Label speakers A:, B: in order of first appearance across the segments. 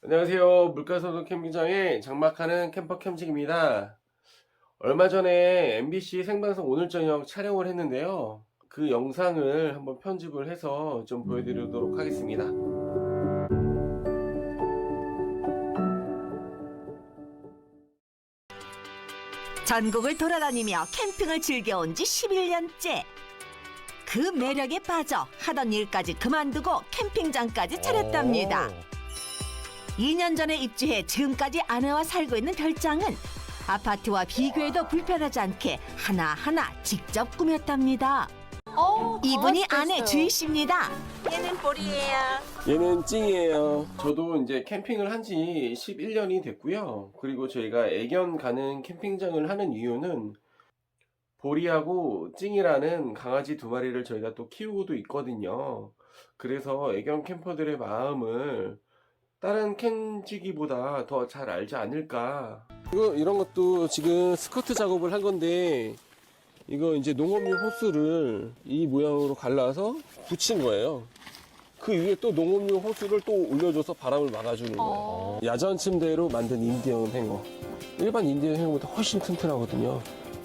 A: 안녕하세요. 물가소도 캠핑장에 장막하는 캠퍼 캠직입니다. 얼마 전에 MBC 생방송 오늘 저녁 촬영을 했는데요. 그 영상을 한번 편집을 해서 좀 보여드리도록 하겠습니다.
B: 전국을 돌아다니며 캠핑을 즐겨온 지 11년째. 그 매력에 빠져 하던 일까지 그만두고 캠핑장까지 차렸답니다. 2년 전에 입주해 지금까지 아내와 살고 있는 별장은 아파트와 비교해도 불편하지 않게 하나하나 직접 꾸몄답니다. 이분이 아내 주희 씨입니다.
C: 얘는 볼이에요.
A: 얘는 찡이에요. 저도 이제 캠핑을 한 지 11년이 됐고요. 그리고 저희가 애견 가는 캠핑장을 하는 이유는 보리하고 찡이라는 강아지 두 마리를 저희가 또 키우고도 있거든요. 그래서 애견 캠퍼들의 마음을 다른 캠지기보다 더 잘 알지 않을까. 이런 것도 지금 스커트 작업을 한 건데, 이거 이제 농업용 호스를 이 모양으로 갈라서 붙인 거예요. 그 위에 또 농업용 호스를 또 올려줘서 바람을 막아주는 거예요. 야전 침대로 만든 인디언 행어. 일반 인디언 행어보다 훨씬 튼튼하거든요.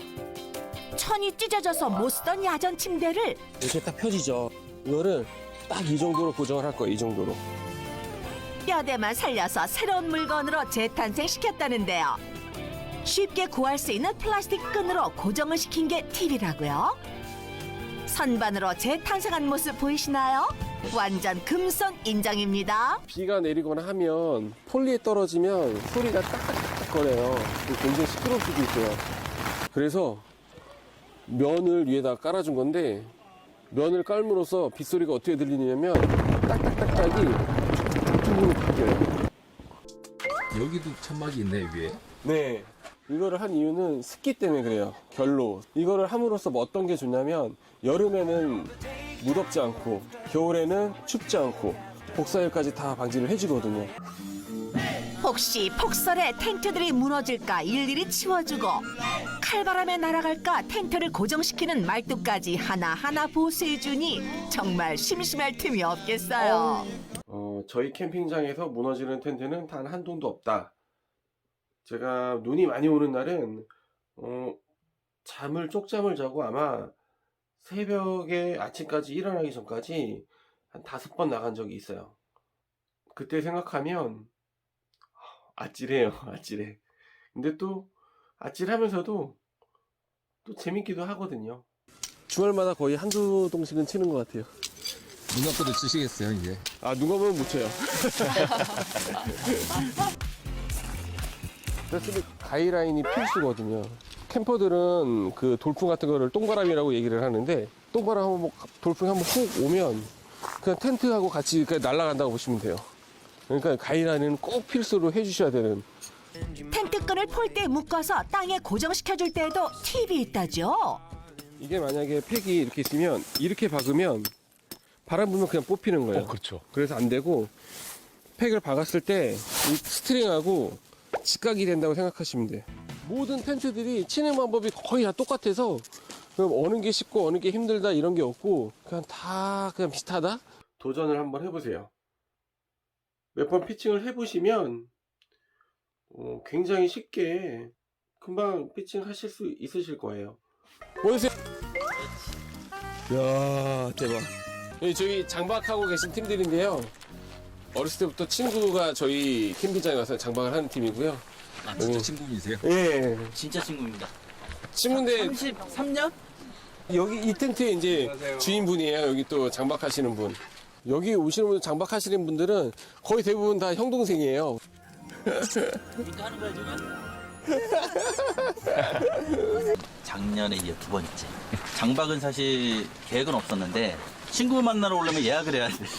B: 천이 찢어져서 못 쓰던 야전 침대를
A: 이렇게 딱 펴지죠. 이거를 딱 이 정도로 고정을 할 거예요. 이 정도로.
B: 뼈대만 살려서 새로운 물건으로 재탄생시켰다는데요. 쉽게 구할 수 있는 플라스틱 끈으로 고정을 시킨 게 팁이라고요. 선반으로 재탄생한 모습 보이시나요? 완전 금손 인정입니다.
A: 비가 내리거나 하면 폴리에 떨어지면 소리가 딱딱딱 거려요. 굉장히 시끄러울 수도 있어요. 그래서 면을 위에다 깔아준 건데, 면을 깔므로써 빗소리가 어떻게 들리냐면 딱딱딱딱이 툭툭툭으로 바뀌어요.
D: 여기도 천막이 있네 위에.
A: 네, 이거를 한 이유는 습기 때문에 그래요. 결로 이거를 함으로써 뭐 어떤 게 좋냐면, 여름에는 무덥지 않고 겨울에는 춥지 않고 복사열까지 다 방지를 해주거든요.
B: 혹시 폭설에 텐트들이 무너질까 일일이 치워주고, 칼바람에 날아갈까 텐트를 고정시키는 말뚝까지 하나하나 보수해주니 정말 심심할 틈이 없겠어요.
A: 저희 캠핑장에서 무너지는 텐트는 단 한 동도 없다. 제가 눈이 많이 오는 날은 쪽잠을 자고 아마 새벽에 아침까지 일어나기 전까지 한 5번 나간 적이 있어요. 그때 생각하면 아찔해요. 아찔해. 근데 또 아찔하면서도 또 재밌기도 하거든요. 주말마다 거의 한두 동씩은 치는 것 같아요.
D: 눈 감고도 치시겠어요 이제.
A: 눈 감으면 못 쳐요. 그래서 가이라인이 필수거든요. 캠퍼들은 그 돌풍 같은 거를 똥바람이라고 얘기를 하는데, 똥바람 한번 돌풍이 한번 훅 오면 그냥 텐트하고 같이 그냥 날아간다고 보시면 돼요. 그러니까 가이라인은 꼭 필수로 해주셔야 되는.
B: 텐트끈을 폴대에 묶어서 땅에 고정시켜줄 때에도 팁이 있다죠.
A: 이게 만약에 팩이 이렇게 있으면 이렇게 박으면 바람 불면 그냥 뽑히는 거예요.
D: 그렇죠.
A: 그래서 안 되고, 팩을 박았을 때 이 스트링하고 직각이 된다고 생각하시면 돼요. 모든 텐트들이 치는 방법이 거의 다 똑같아서 그럼 어느 게 쉽고 어느 게 힘들다 이런 게 없고 그냥 다 그냥 비슷하다? 도전을 한번 해보세요. 몇 번 피칭을 해보시면 굉장히 쉽게 금방 피칭 하실 수 있으실 거예요. 보세요. 이야, 대박. 저희 장박하고 계신 팀들인데요. 어렸을 때부터 친구가 저희 캠핑장에 와서 장박을 하는 팀이고요.
D: 진짜 친구이세요?
A: 예.
C: 진짜 친구입니다.
A: 친구인데
C: 33년?
A: 여기 이 텐트의 이제 주인분이에요. 여기 또 장박하시는 분. 여기 오시는 분, 장박하시는 분들은 거의 대부분 다 형 동생이에요.
C: 이거 하는 거야 지금? 작년에 이제 2번째. 장박은 사실 계획은 없었는데 친구 만나러 오려면 예약을 해야 돼요.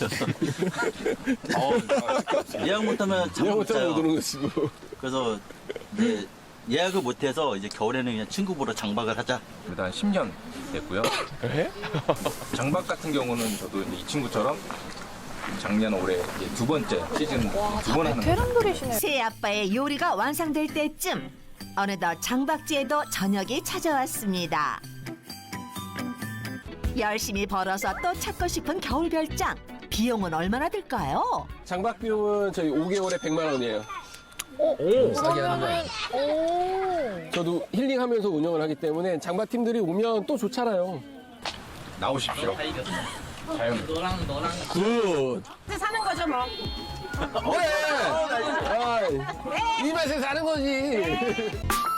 C: 예약 못하면 잠
A: 형
C: 못
A: 못하면
C: 자요.
A: 못 오는 것이고.
C: 그래서 이제 예약을 못해서 이제 겨울에는 그냥 친구 보러 장박을 하자.
E: 일단 10년 됐고요. 장박 같은 경우는 저도 이제 이 친구처럼 작년 올해 이제 2번째 시즌 2번 하는 거예요.
B: 새 아빠의 요리가 완성될 때쯤 어느덧 장박지에도 저녁이 찾아왔습니다. 열심히 벌어서 또 찾고 싶은 겨울 별장. 비용은 얼마나 들까요?
A: 장박 비용은 저희 5개월에 100만 원이에요.
D: 싸게 하는 거야.
A: 저도 힐링하면서 운영을 하기 때문에 장박팀들이 오면 또 좋잖아요.
E: 나오십시오. 자연.
A: 굿.
B: 사는 거죠 뭐.
A: 이 맛에 사는 거지.